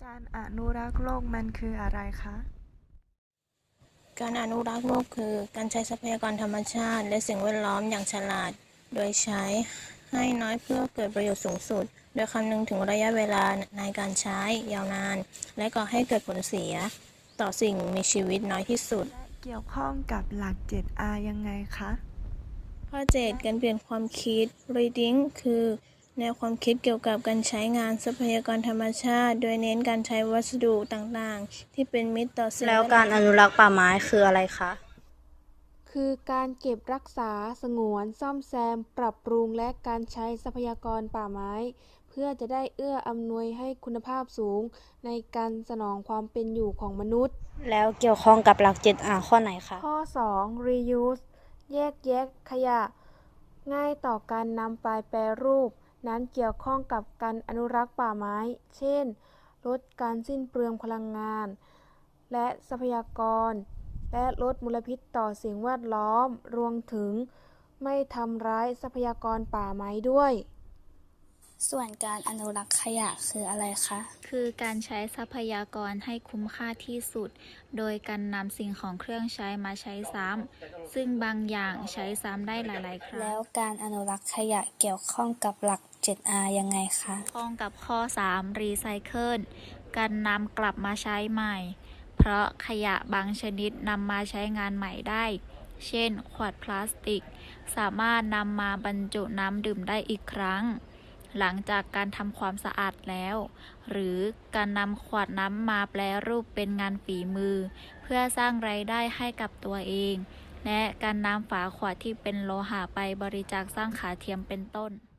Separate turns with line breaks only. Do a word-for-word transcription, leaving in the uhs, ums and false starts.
การอนุรักษ์โลกมันคืออะไรคะ
การอนุรักษ์โลกคือการใช้ทรัพยากรธรรมชาติและสิ่งแวดล้อมอย่างฉลาด โดยใช้ให้น้อยเพื่อเกิดประโยชน์สูงสุด โดยคำนึงถึงระยะเวลาในการใช้ยาวนาน และก่อให้เกิดผลเสียต่อสิ่งมีชีวิตน้อยที่สุด
และเกี่ยวข้องกับหลัก เจ็ด อาร์ ยังไงคะ
ข้อ เจ็ด การเปลี่ยนความคิด Reading คือแนวความคิดเกี่ยวกับการใช้งานทรัพยากรธรรมชาติ โดยเน้นการใช้วัสดุต่างๆ ที่เป็นมิตรต่อสิ่งแวดล้อม
แล้วการอนุรักษ์ป่าไม้คืออะไรคะ
คือการเก็บรักษา สงวน ซ่อมแซม ปรับปรุง และการใช้ทรัพยากรป่าไม้ เพื่อจะได้เอื้ออำนวยให้คุณภาพสูงในการสนองความเป็นอยู่ของมนุษย์
แล้วเกี่ยวข้องกับหลัก เจ็ด อาร์ ข้อไหนคะ
ข้อ สอง reuse แยกแยะขยะ ง่ายต่อการนำไปแปรรูป นั้นเกี่ยวข้องกับการอนุรักษ์ป่าไม้ เช่น ลดการสิ้นเปลืองพลังงาน และทรัพยากร และลดมลพิษต่อสิ่งแวดล้อม รวมถึงไม่ทำร้ายทรัพยากรป่าไม้ด้วย
ส่วนการอนุรักษ์ขยะคืออะไรคะ
คือการใช้ทรัพยากรให้คุ้มค่าที่สุด โดยการนำสิ่งของเครื่องใช้มาใช้ซ้ำ ซึ่งบางอย่างใช้ซ้ำได้หลายๆครั้ง
แล้วการอนุรักษ์ขยะเกี่ยวข้องกับหลัก เจ็ด อาร์ ยังไงคะ
ข้องกับข้อ สาม รีไซเคิล การนำกลับมาใช้ใหม่ เพราะขยะบางชนิดนำมาใช้งานใหม่ได้ เช่น ขวดพลาสติก สามารถนำมาบรรจุน้ำดื่มได้อีกครั้ง หลังจากการทำความสะอาดแล้ว หรือการนำขวดน้ำมาแปรรูปเป็นงานฝีมือ เพื่อสร้างรายได้ให้กับตัวเอง และการนำฝาขวดที่เป็นโลหะไปบริจาคสร้างขาเทียมเป็นต้น